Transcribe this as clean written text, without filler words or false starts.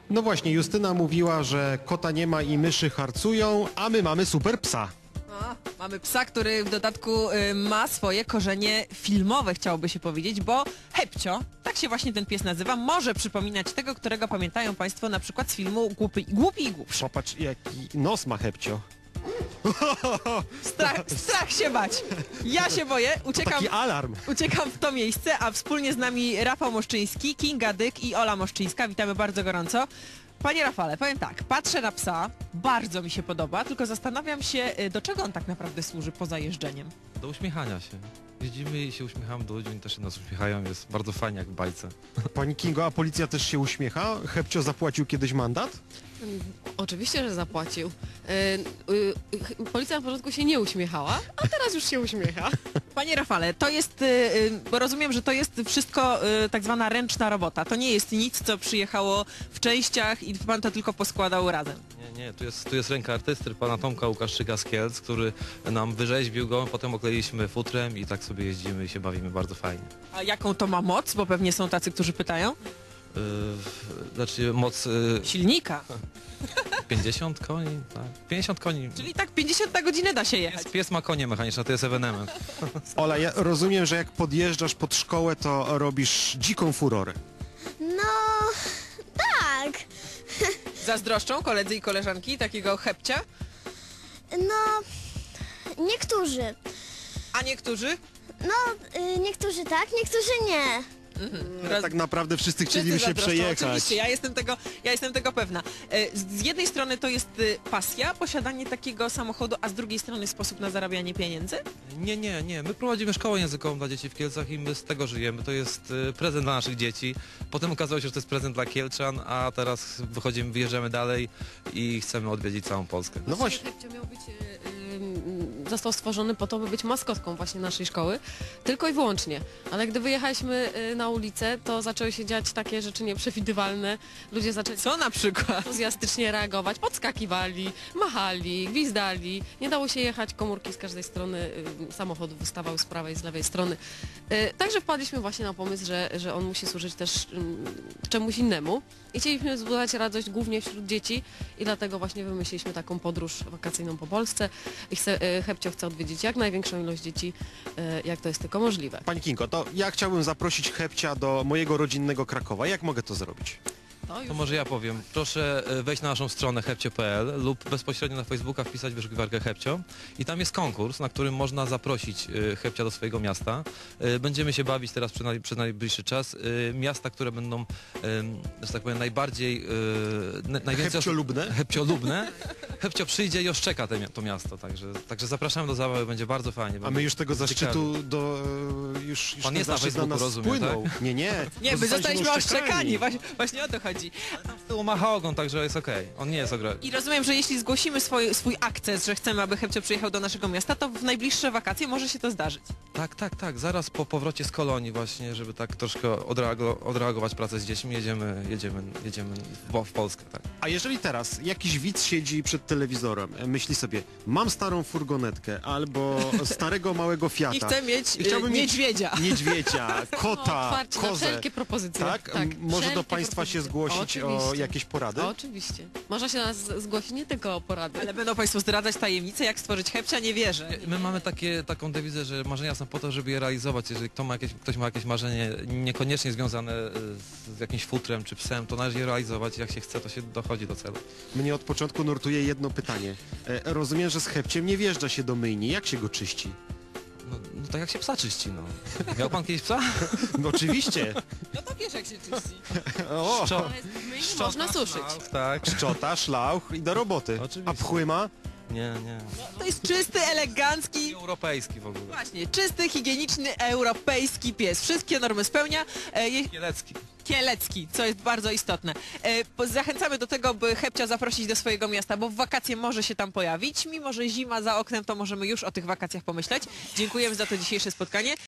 No właśnie, Justyna mówiła, że kota nie ma i myszy harcują, a my mamy super psa. Mamy psa, który w dodatku ma swoje korzenie filmowe, chciałoby się powiedzieć, bo Hepcio, tak się właśnie ten pies nazywa, może przypominać tego, którego pamiętają Państwo na przykład z filmu Głupi i Głupszy. Popatrz, jaki nos ma Hepcio. Strach się bać. Ja się boję, Taki alarm. uciekam w to miejsce, a wspólnie z nami Rafał Moszczyński, Kinga Dyk i Ola Moszczyńska. Witamy bardzo gorąco. Panie Rafale, powiem tak, patrzę na psa, bardzo mi się podoba, tylko zastanawiam się, do czego on tak naprawdę służy poza jeżdżeniem. Do uśmiechania się. Jeździmy i się uśmiechamy do ludzi, oni też się nas uśmiechają, jest bardzo fajnie jak w bajce. Pani Kingo, a policja też się uśmiecha? Hepcio zapłacił kiedyś mandat? Oczywiście, że zapłacił. Policja na początku się nie uśmiechała, a teraz już się uśmiecha. Panie Rafale, to jest, bo rozumiem, że to jest wszystko tak zwana ręczna robota. To nie jest nic, co przyjechało w częściach i pan to tylko poskładał razem. Nie, tu jest ręka artysty, pana Tomka Łukaszczyka z Kielc, który nam wyrzeźbił go, potem okleiliśmy futrem i tak sobie jeździmy i się bawimy bardzo fajnie. A jaką to ma moc? Bo pewnie są tacy, którzy pytają. Znaczy moc Silnika. 50 koni, tak. 50 koni. Czyli tak 50 na godzinę da się jechać. Pies ma konie mechaniczne, to jest ewenement. Ola, ja rozumiem, że jak podjeżdżasz pod szkołę, to robisz dziką furorę. No, tak. Zazdroszczą koledzy i koleżanki takiego Hepcia? No, niektórzy. A niektórzy? No, niektórzy tak, niektórzy nie. Tak naprawdę wszyscy chcieliby Wszyscy się zazdroszczą, przejechać. Oczywiście, ja jestem tego pewna. Z jednej strony to jest pasja, posiadanie takiego samochodu, a z drugiej strony sposób na zarabianie pieniędzy? Nie. My prowadzimy szkołę językową dla dzieci w Kielcach i my z tego żyjemy. To jest prezent dla naszych dzieci. Potem okazało się, że to jest prezent dla Kielczan, a teraz wyjeżdżamy dalej i chcemy odwiedzić całą Polskę. No właśnie. Hepcio miał być, został stworzony po to, by być maskotką właśnie naszej szkoły, tylko i wyłącznie. Ale gdy wyjechaliśmy na ulicę, to zaczęły się dziać takie rzeczy nieprzewidywalne. Ludzie zaczęli Co na przykład? entuzjastycznie reagować, podskakiwali, machali, gwizdali. Nie dało się jechać, komórki z każdej strony samochodu wystawały z prawej i z lewej strony. Także wpadliśmy właśnie na pomysł, że on musi służyć też czemuś innemu. I chcieliśmy wzbudzać radość głównie wśród dzieci i dlatego właśnie wymyśliliśmy taką podróż wakacyjną po Polsce. I Hepcio chce odwiedzić jak największą ilość dzieci, jak to jest tylko możliwe. Pani Kingo, to ja chciałbym zaprosić Hepcia do mojego rodzinnego Krakowa. Jak mogę to zrobić? To może ja powiem. Proszę wejść na naszą stronę hepcio.pl lub bezpośrednio na Facebooka wpisać wyszukiwarkę Hepcio i tam jest konkurs, na którym można zaprosić Hepcia do swojego miasta. Będziemy się bawić teraz przez najbliższy czas. Miasta, które będą, że tak powiem, najbardziej... najwięcej Hepciolubne? Hepciolubne. Hepcio przyjdzie i oszczeka to miasto, także zapraszamy do zabawy, będzie bardzo fajnie. A my już tego Ciekawie. zaszczytu już Pan ten jest na zaszczyt Facebooku, nas rozumiem, spłynął. tak? Nie. Nie, my zostaliśmy oszczekani. oszczekani. Właśnie o to chodzi. Tam z tyłu macha ogon, także jest okej. On nie jest ogromny. I rozumiem, że jeśli zgłosimy swój akces, że chcemy, aby Hepcio przyjechał do naszego miasta, to w najbliższe wakacje może się to zdarzyć. Tak. Zaraz po powrocie z kolonii właśnie, żeby tak troszkę odreagować pracę z dziećmi, jedziemy w Polskę, tak. A jeżeli teraz jakiś widz siedzi przed telewizorem, myśli sobie, mam starą furgonetkę albo starego małego Fiata. I chcę mieć chciałbym niedźwiedzia. Niedźwiedzia, kota, Otwarcie na kozę. wszelkie propozycje. Tak? Może do wszelkie Państwa się propozycje. zgłosić o Oczywiście. jakieś porady? Oczywiście. Można się nas zgłosić nie tylko o porady. Ale będą Państwo zdradzać tajemnice, jak stworzyć Hepcia? Nie wierzę. My mamy taką dewizę, że marzenia są po to, żeby je realizować. Jeżeli ktoś ma jakieś marzenie niekoniecznie związane z jakimś futrem czy psem, to należy je realizować. Jak się chce, to się dochodzi do celu. Mnie od początku nurtuje jedno pytanie. Rozumiem, że z Hepciem nie wjeżdża się do myjni. Jak się go czyści? No tak jak się psa czyści, no. Miał pan kiedyś psa? No oczywiście. No to wiesz, jak się czyści. O, Można suszyć. Tak. szczota, szlauch i do roboty. Oczywiście. A pchły ma? Nie. To jest czysty, elegancki, Europejski w ogóle. właśnie, czysty, higieniczny, europejski pies. Wszystkie normy spełnia. Kielecki. Kielecki, co jest bardzo istotne. Zachęcamy do tego, by Hepcia zaprosić do swojego miasta, bo w wakacje może się tam pojawić. Mimo że zima za oknem, to możemy już o tych wakacjach pomyśleć. Dziękujemy za to dzisiejsze spotkanie.